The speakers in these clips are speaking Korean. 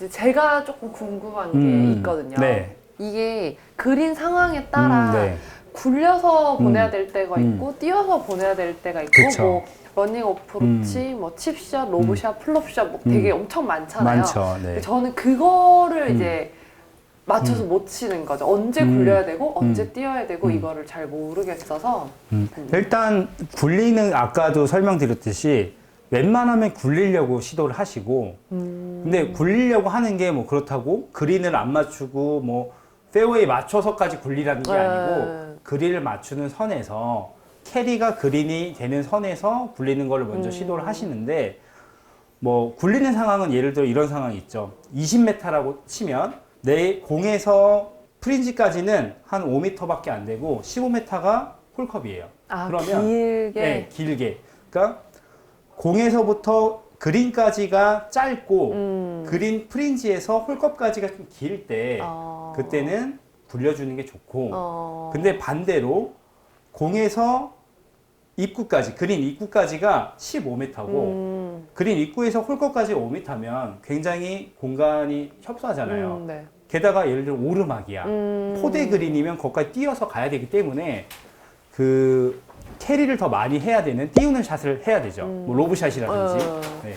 이제 제가 조금 궁금한 게 있거든요. 네. 이게 그린 상황에 따라 네. 굴려서 보내야 될 때가 있고 뛰어서 보내야 될 때가 있고 그쵸. 뭐 러닝 어프로치, 뭐 칩샷, 로브샷, 플롭샷 뭐 되게 엄청 많잖아요. 많죠. 네. 저는 그거를 이제 맞춰서 못 치는 거죠. 언제 굴려야 되고 언제 뛰어야 되고 이거를 잘 모르겠어서 일단 굴리는 아까도 설명드렸듯이 웬만하면 굴리려고 시도를 하시고 근데 굴리려고 하는 게 뭐 그렇다고 그린을 안 맞추고 뭐 페어웨이 맞춰서까지 굴리라는 게 아니고 그린을 맞추는 선에서 캐리가 그린이 되는 선에서 굴리는 거를 먼저 시도를 하시는데 뭐 굴리는 상황은 예를 들어 이런 상황이 있죠. 20m라고 치면 내 공에서 프린지까지는 한 5m밖에 안 되고 15m가 홀컵이에요. 아, 그러면 길게? 네, 길게. 그러니까 공에서부터 그린까지가 짧고 그린 프린지에서 홀컵까지가 좀 길 때 그때는 굴려주는 게 좋고 근데 반대로 공에서 입구까지 그린 입구까지가 15m고 그린 입구에서 홀컵까지 5m면 굉장히 공간이 협소하잖아요. 네. 게다가 예를 들어 오르막이야. 포대 그린이면 거기까지 뛰어서 가야 되기 때문에 그 캐리를 더 많이 해야 되는 띄우는 샷을 해야 되죠. 뭐 로브샷이라든지. 네.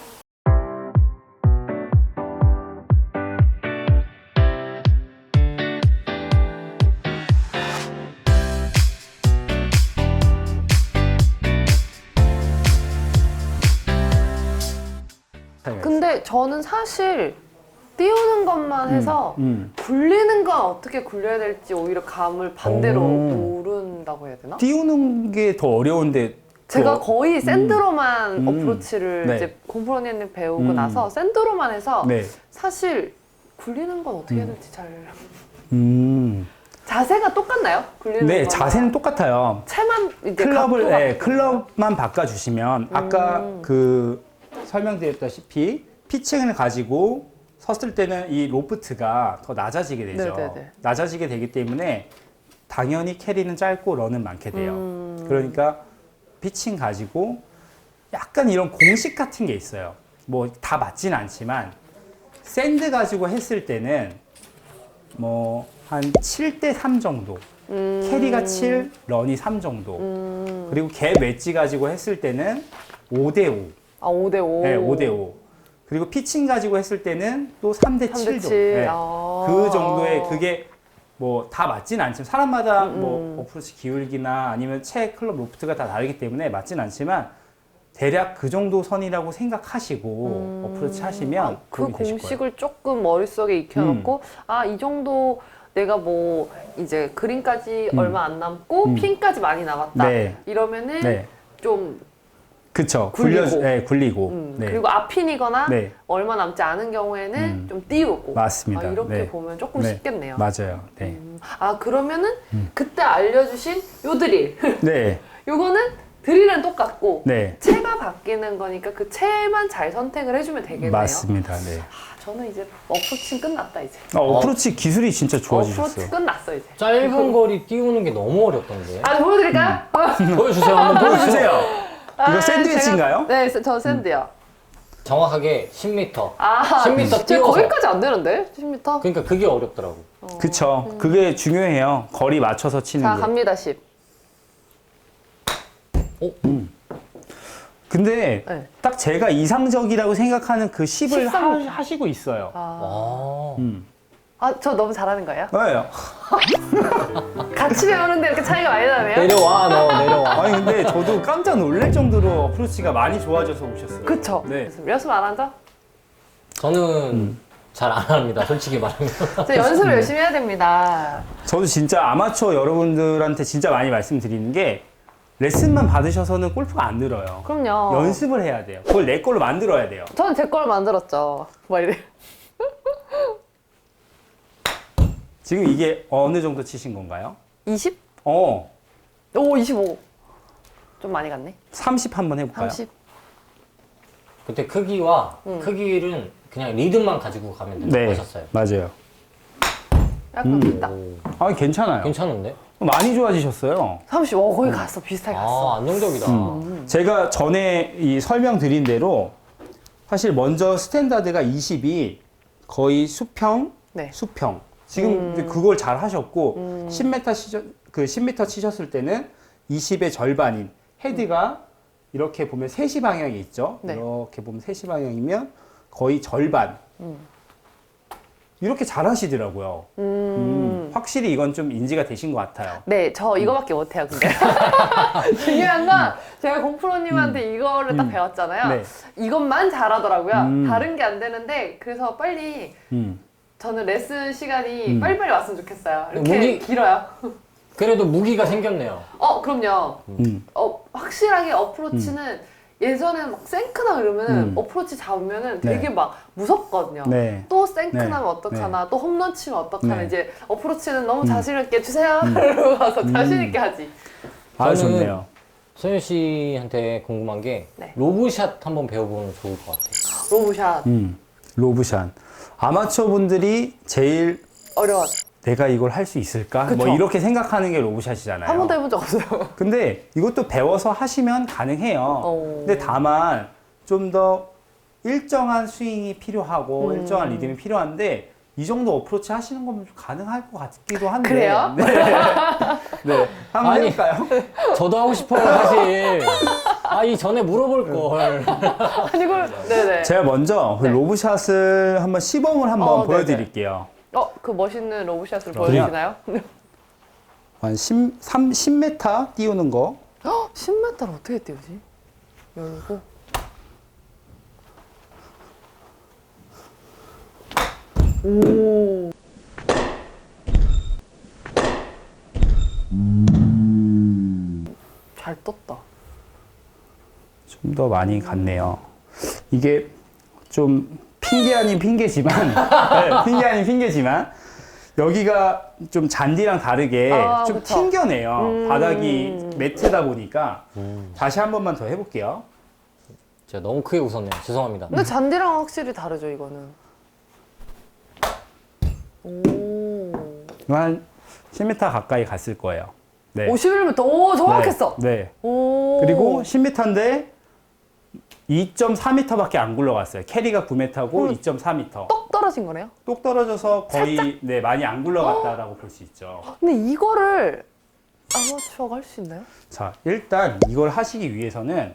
근데 저는 사실 띄우는 것만 해서 굴리는 건 어떻게 굴려야 될지 오히려 감을 반대로 모른다고 해야 되나? 띄우는 게 더 어려운데 제가 거의 샌드로만 어프로치를 네. 이제 공프로님 배우고 나서 샌드로만 해서 네. 사실 굴리는 건 어떻게 해야 될지 잘 음. 자세가 똑같나요? 굴리는 네, 거랑? 자세는 똑같아요. 채만 이제 클럽을 각도가 네, 클럽만 바꿔주시면 아까 그 설명드렸다시피 피칭을 가지고 섰을 때는 이 로프트가 더 낮아지게 되죠. 네네네. 낮아지게 되기 때문에 당연히 캐리는 짧고 런은 많게 돼요. 그러니까 피칭 가지고 약간 이런 공식 같은 게 있어요. 뭐 다 맞진 않지만 샌드 가지고 했을 때는 뭐 한 7대 3 정도. 캐리가 7, 런이 3 정도. 그리고 갭 웨지 가지고 했을 때는 5대 5. 아 5대5 네, 5대 5. 그리고 피칭 가지고 했을 때는 또 3대 7 정도. 네. 그 정도의 그게 뭐 다 맞진 않지만 사람마다 뭐 어프로치 기울기나 아니면 채 클럽 로프트가 다 다르기 때문에 맞진 않지만 대략 그 정도 선이라고 생각하시고 어프로치 하시면 그 도움이 되실 거예요. 공식을 조금 머릿속에 익혀놓고 아 이 정도 내가 뭐 이제 그린까지 얼마 안 남고 핀까지 많이 남았다 네. 이러면은 네. 좀 그쵸. 굴리고. 네, 굴리고. 네. 그리고 앞핀이거나 네. 얼마 남지 않은 경우에는 좀 띄우고 맞습니다. 아, 이렇게 네. 보면 조금 네. 쉽겠네요. 맞아요. 네. 아 그러면은 그때 알려주신 요 드릴 네. 요거는 드릴은 똑같고 네. 채가 바뀌는 거니까 그 채만 잘 선택을 해주면 되겠네요. 맞습니다. 네. 아, 저는 이제 어프로치 끝났다 이제. 어프로치 기술이 진짜 좋아지셨어요. 어프로치 끝났어 이제. 짧은 거리 띄우는 게 너무 어렵던데. 아 보여드릴까요? 보여주세요. 한번 보여주세요. 보여주세요. 이거 샌드위치인가요? 네, 저 샌드요. 정확하게 10m. 아, 10m 제가 띄워서. 거기까지 안 되는데? 10m? 그러니까 그게 어렵더라고. 그쵸. 그게 중요해요. 거리 맞춰서 치는 자, 게. 갑니다, 10. 근데 네. 딱 제가 이상적이라고 생각하는 그 10을 13. 하시고 있어요. 아. 아, 저 너무 잘하는 거예요? 네. 같이 배우는데 이렇게 차이가 많이 나네요? 내려와, 너 내려와. 아니 근데 저도 깜짝 놀랄 정도로 어프로치가 많이 좋아져서 오셨어요. 그쵸? 네. 연습 안 하죠? 저는 잘 안 합니다. 솔직히 말하면. 저 연습을 열심히 해야 됩니다. 저도 진짜 아마추어 여러분들한테 진짜 많이 말씀드리는 게 레슨만 받으셔서는 골프가 안 늘어요. 그럼요. 연습을 해야 돼요. 그걸 내 걸로 만들어야 돼요. 저는 제 걸 만들었죠. 막 이래. 지금 이게 어느 정도 치신 건가요? 20? 어, 오, 25. 좀 많이 갔네. 30 한번 해볼까요? 30. 그때 크기와 크기는 그냥 리듬만 가지고 가면 된다고 네, 하셨어요. 맞아요. 약간 비다. 오, 아, 괜찮아요. 괜찮은데? 많이 좋아지셨어요. 30. 거의 갔어. 비슷하게 갔어. 아, 안정적이다. 제가 전에 이 설명드린 대로 사실 먼저 스탠다드가 20이 거의 수평, 네. 수평. 지금 이제 그걸 잘 하셨고 10m 치셨을 때는 20의 절반인 헤드가 이렇게 보면 3시 방향이 있죠. 네. 이렇게 보면 3시 방향이면 거의 절반. 이렇게 잘 하시더라고요. 확실히 이건 좀 인지가 되신 것 같아요. 네, 저 이거밖에 못해요, 근데. 중요한 건 제가 공프로님한테 이거를 딱 배웠잖아요. 네. 이것만 잘하더라고요. 다른 게 안 되는데, 그래서 빨리 저는 레슨 시간이 빨리빨리 왔으면 좋겠어요. 이렇게 목이- 길어요. 그래도 무기가 생겼네요. 그럼요. 확실하게 어프로치는 예전에는 막 생크나 이러면은 어프로치 잡으면은 되게 네. 막 무섭거든요. 네. 또 생크 네. 나면 어떡하나, 또 홈런 치면 어떡하나, 네. 이제 어프로치는 너무 자신있게 주세요. 이러고 가서 자신있게 하지. 아, 저는- 좋네요. 소연 씨한테 궁금한 게 네. 로브샷 한번 배워보면 좋을 것 같아요. 로브샷. 로브샷. 아마추어 분들이 제일 어려워. 내가 이걸 할 수 있을까? 그쵸. 뭐 이렇게 생각하는 게 로브샷이잖아요. 한 번도 해본 적 없어요. 근데 이것도 배워서 하시면 가능해요. 근데 다만 좀 더 일정한 스윙이 필요하고 일정한 리듬이 필요한데 이 정도 어프로치 하시는 거면 좀 가능할 것 같기도 한데. 그래요? 네. 네. 한번 아니. 해볼까요? 저도 하고 싶어요, 사실. 이 전에 물어볼 걸. 아니, 이걸, 네네. 제가 먼저 그 네. 로브샷을 한번 시범을 한번 네네. 보여드릴게요. 그 멋있는 로브샷을 그래요? 보여주시나요? 한 10m 띄우는 거. 10m를 어떻게 띄우지? 열고. 오. 잘 떴다. 좀 더 많이 갔네요. 이게 좀 핑계 아닌 핑계지만, 네, 핑계 아닌 핑계지만, 여기가 좀 잔디랑 다르게 좀 그쵸. 튕겨내요. 바닥이 매트다 보니까. 다시 한 번만 더 해볼게요. 제가 너무 크게 웃었네요. 죄송합니다. 근데 잔디랑 확실히 다르죠, 이거는. 오. 한 10m 가까이 갔을 거예요. 네. 51m. 오, 정확했어. 네. 네. 오. 그리고 10m인데 2.4m밖에 안 굴러갔어요. 캐리가 9m고 2.4m. 떡 떨어진 거네요? 똑 떨어져서 거의 네, 많이 안 굴러갔다라고 볼 수 있죠. 근데 이거를 아마추어가 할 수 있나요? 자, 일단 이걸 하시기 위해서는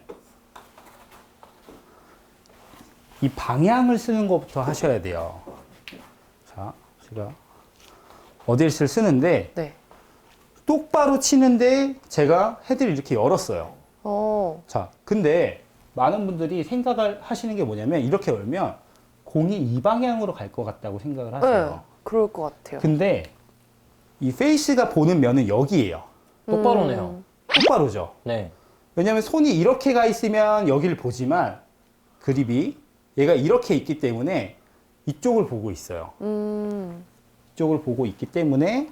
이 방향을 쓰는 것부터 하셔야 돼요. 자, 제가 어딜을 쓰는데 네. 똑바로 치는데 제가 헤드를 이렇게 열었어요. 어. 자, 근데 많은 분들이 생각을 하시는 게 뭐냐면 이렇게 열면 공이 이 방향으로 갈 것 같다고 생각을 네. 하세요. 그럴 것 같아요. 근데 이 페이스가 보는 면은 여기예요. 똑바로네요. 똑바로죠. 네. 왜냐면 손이 이렇게 가 있으면 여기를 보지만 그립이 얘가 이렇게 있기 때문에 이쪽을 보고 있어요. 이쪽을 보고 있기 때문에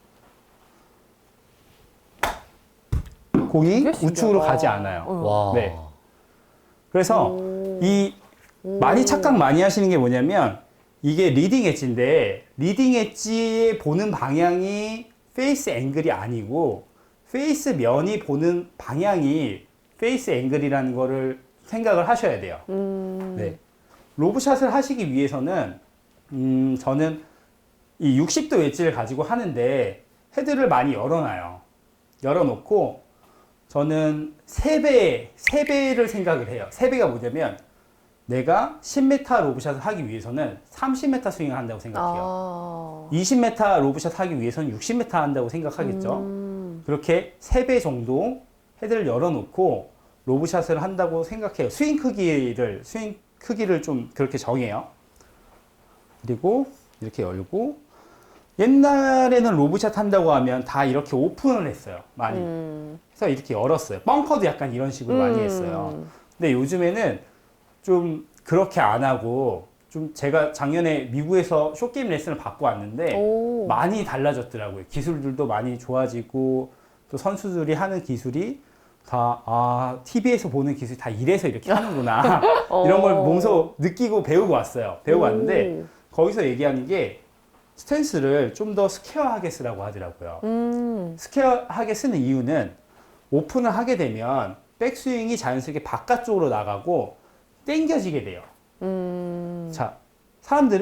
공이 되게 신기하다. 우측으로 가지 않아요. 와. 네. 그래서 이 많이 착각 많이 하시는 게 뭐냐면 이게 리딩 엣지인데 리딩 엣지에 보는 방향이 페이스 앵글이 아니고 페이스 면이 보는 방향이 페이스 앵글이라는 거를 생각을 하셔야 돼요. 네. 로브샷을 하시기 위해서는 저는 이 60도 웨지를 가지고 하는데 헤드를 많이 열어놔요. 열어놓고 저는 3배를 생각을 해요. 3배가 뭐냐면 내가 10m 로브샷을 하기 위해서는 30m 스윙을 한다고 생각해요. 20m 로브샷 하기 위해서는 60m 한다고 생각하겠죠. 그렇게 3배 정도 헤드를 열어놓고 로브샷을 한다고 생각해요. 스윙 크기를 좀 그렇게 정해요. 그리고 이렇게 열고 옛날에는 로브샷 한다고 하면 다 이렇게 오픈을 했어요. 많이. 그래서 이렇게 열었어요. 벙커도 약간 이런 식으로 많이 했어요. 근데 요즘에는 좀 그렇게 안 하고 좀 제가 작년에 미국에서 숏게임 레슨을 받고 왔는데 오. 많이 달라졌더라고요. 기술들도 많이 좋아지고 또 선수들이 하는 기술이 다 TV에서 보는 기술이 다 이래서 이렇게 하는구나. 이런 걸 몸소 느끼고 배우고 왔어요. 배우고 왔는데 거기서 얘기하는 게 스탠스를 좀 더 스퀘어하게 쓰라고 하더라고요. 스퀘어하게 쓰는 이유는 오픈을 하게 되면 백스윙이 자연스럽게 바깥쪽으로 나가고 당겨지게 돼요. 자, 사람들은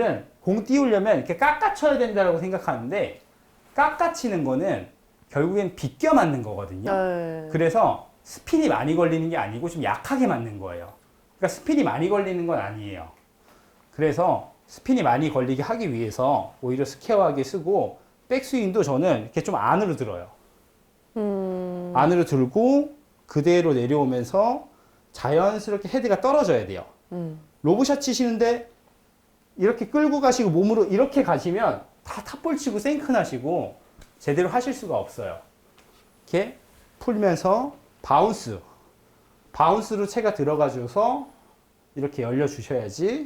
공 띄우려면 이렇게 깎아쳐야 된다고 생각하는데 깎아치는 거는 결국엔 비껴 맞는 거거든요. 네. 그래서 스핀이 많이 걸리는 게 아니고 좀 약하게 맞는 거예요. 그러니까 스핀이 많이 걸리는 건 아니에요. 그래서 스핀이 많이 걸리게 하기 위해서 오히려 스퀘어하게 쓰고 백스윙도 저는 이렇게 좀 안으로 들어요. 안으로 들고 그대로 내려오면서 자연스럽게 헤드가 떨어져야 돼요. 로브샷 치시는데 이렇게 끌고 가시고 몸으로 이렇게 가시면 다 탑볼 치고 생크 나시고 제대로 하실 수가 없어요. 이렇게 풀면서 바운스로 채가 들어가줘서 이렇게 열려주셔야지.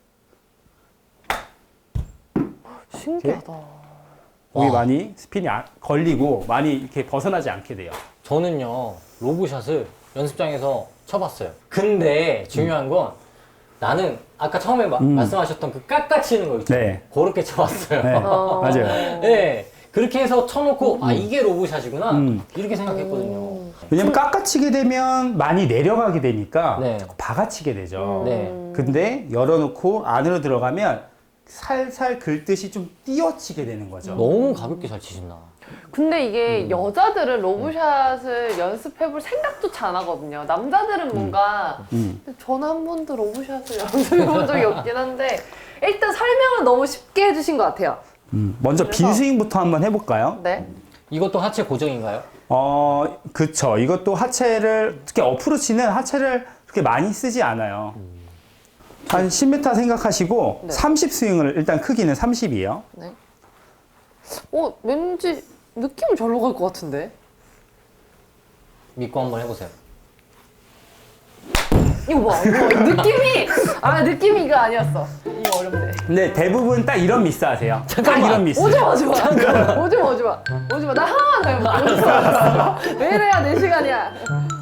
신기하다. 공이 와. 많이 스핀이 걸리고 많이 이렇게 벗어나지 않게 돼요. 저는요 로브샷을 연습장에서 쳐봤어요. 근데 중요한 건 나는 아까 처음에 말씀하셨던 그 깎아치는 거 있잖아요. 네. 그렇게 쳐봤어요. 네, 맞아요. 네. 그렇게 해서 쳐놓고 아 이게 로브샷이구나 이렇게 생각했거든요. 왜냐면 깎아치게 되면 많이 내려가게 되니까 네. 자꾸 박아치게 되죠. 네. 근데 열어놓고 안으로 들어가면 살살 긁듯이 좀 띄어치게 되는 거죠. 너무 가볍게 잘 치신다. 근데 이게 여자들은 로브샷을 연습해볼 생각도 잘 안 하거든요. 남자들은 뭔가 저는 한 번도 로브샷을 연습해본 적이 없긴 한데 일단 설명을 너무 쉽게 해주신 것 같아요. 먼저 그래서- 빈 스윙부터 한번 해볼까요? 네. 이것도 하체 고정인가요? 그쵸. 이것도 하체를, 특히 어프로치는 하체를 그렇게 많이 쓰지 않아요. 한 10m 생각하시고, 네. 30 스윙을, 일단 크기는 30이에요. 네. 왠지 느낌은 절로 갈 것 같은데. 믿고 한번 해보세요. 이거 봐, 느낌이 이거 아니었어. 이거 어렵네. 근데 대부분 딱 이런 미스 하세요. 딱 이런 미스. 오지 마. 나 하나만 더 해볼게. 오지 마. 왜 이래야 내 시간이야.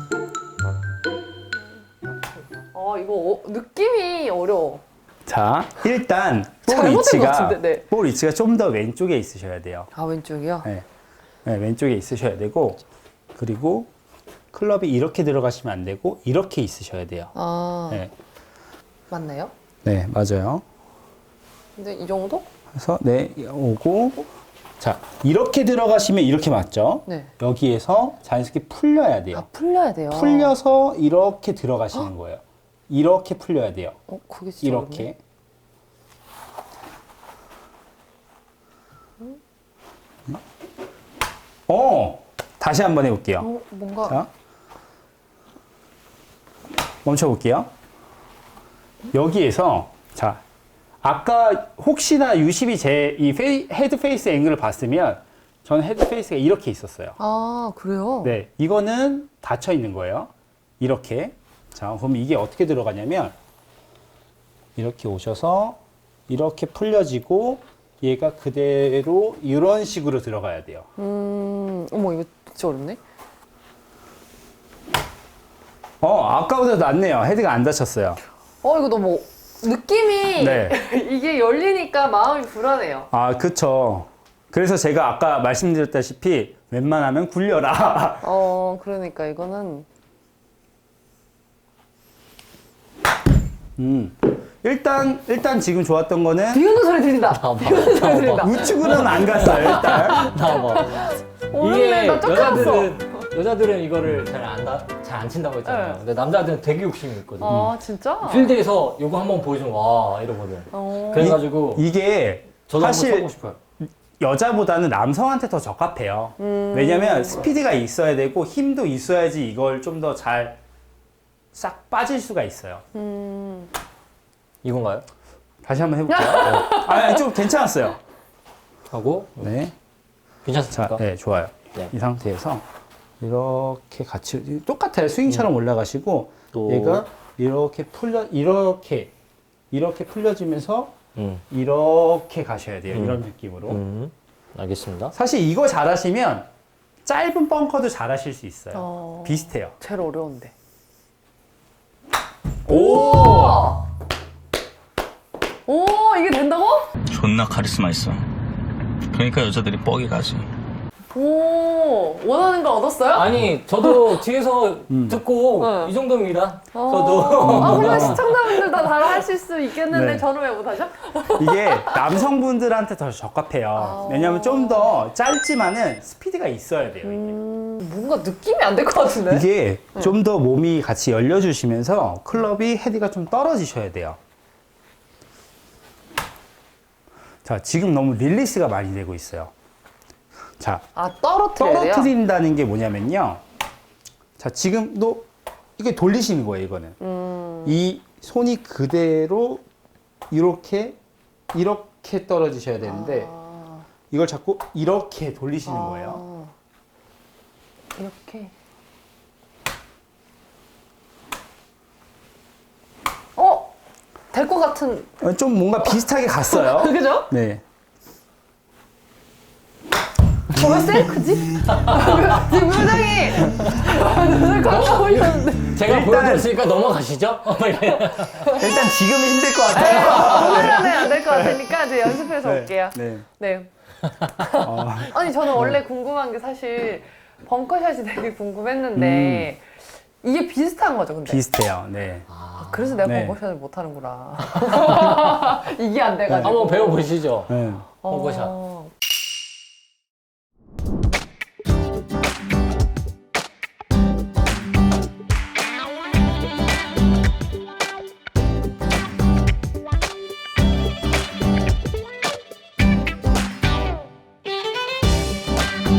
이거 느낌이 어려워. 자, 일단, 볼 잘못된 것 위치가, 같은데, 네. 볼 위치가 좀 더 왼쪽에 있으셔야 돼요. 아, 왼쪽이요? 네. 네, 왼쪽에 있으셔야 되고, 그리고 클럽이 이렇게 들어가시면 안 되고, 이렇게 있으셔야 돼요. 아, 네, 맞나요? 네, 맞아요. 근데 이 정도? 그래서, 네, 오고, 자, 이렇게 들어가시면 이렇게 맞죠? 네. 여기에서 자연스럽게 풀려야 돼요. 아, 풀려야 돼요. 풀려서 이렇게 들어가시는 거예요. 이렇게 풀려야 돼요. 그게 진짜 이렇게. 다시 한번 해볼게요. 어렵네. 뭔가. 자, 멈춰볼게요. 여기에서, 자, 아까 혹시나 유심히 제 이 헤드 페이스 앵글을 봤으면, 저는 헤드 페이스가 이렇게 있었어요. 아, 그래요? 네, 이거는 닫혀 있는 거예요. 이렇게. 자, 그럼 이게 어떻게 들어가냐면, 이렇게 오셔서, 이렇게 풀려지고, 얘가 그대로 이런 식으로 들어가야 돼요. 어머, 이거 진짜 어렵네. 아까보다 낫네요. 헤드가 안 다쳤어요. 이거 너무 느낌이 네. 이게 열리니까 마음이 불안해요. 아, 그쵸. 그래서 제가 아까 말씀드렸다시피, 웬만하면 굴려라. 그러니까 이거는 일단 지금 좋았던 거는, 비우는 소리 들린다. 비우는 소리 들린다. 우측으로는 안 갔어요, 일단. 나와봐. 오는데 나 쫓겨났어. 여자들은 이거를 잘 안 친다고 했잖아요. 네. 근데 남자들은 되게 욕심이 있거든. 아, 진짜? 필드에서 이거 한번 보여주면 와 이러거든. 그래가지고 이게, 저도 한번 사실, 쳐보고 싶어요. 여자보다는 남성한테 더 적합해요. 왜냐면 스피드가 있어야 되고 힘도 있어야지 이걸 좀 더 잘 싹 빠질 수가 있어요. 이건가요? 다시 한번 해볼게요. 아니, 좀 괜찮았어요. 하고 네. 괜찮습니까? 자, 네, 좋아요. 네. 이 상태에서 이렇게 같이 똑같아요. 스윙처럼 올라가시고 또. 얘가 이렇게 이렇게 풀려지면서 음. 이렇게 가셔야 돼요. 이런 느낌으로. 알겠습니다. 사실 이거 잘하시면 짧은 벙커도 잘하실 수 있어요. 비슷해요. 제일 어려운데. 오! 오, 이게 된다고? 존나 카리스마 있어. 그러니까 여자들이 뻑이 가지. 오, 원하는 거 얻었어요? 아니 저도 뒤에서 듣고 응. 이 정도입니다. 어. 저도. 아, 물론 시청자분들도 다 하실 수 있겠는데 네. 저는 왜 못하죠? 이게 남성분들한테 더 적합해요. 왜냐면 좀 더 짧지만은 스피드가 있어야 돼요. 이게. 뭔가 느낌이 안 될 것 같은데? 이게 좀 더 몸이 같이 열려주시면서 클럽이 헤드가 좀 떨어지셔야 돼요. 자, 지금 너무 릴리스가 많이 되고 있어요. 자, 아, 떨어뜨려야 돼요? 떨어뜨린다는 게 뭐냐면요. 자, 지금도 이게 돌리시는 거예요, 이거는. 이 손이 그대로 이렇게 떨어지셔야 되는데 이걸 자꾸 이렇게 돌리시는 거예요. 이렇게. 될 것 같은. 좀 뭔가 비슷하게 갔어요. 그죠? 네. 왜 셀크지? 지금 표정이 눈을 깜짝 보이셨는데. 제가 일단- 보여드렸으니까 넘어가시죠. 일단 지금은 힘들 것 같아요. 오늘은 안 될 것 같으니까 이제 연습해서 올게요. 네. 네. 어, 아니 저는 원래 궁금한 게 사실 벙커샷이 되게 궁금했는데 이게 비슷한 거죠, 근데. 비슷해요. 네. 그래서 내가 네. 벙커샷을 못 하는구나. 이게 안 돼가지고. 한번 배워보시죠. 네. 벙커샷. 어.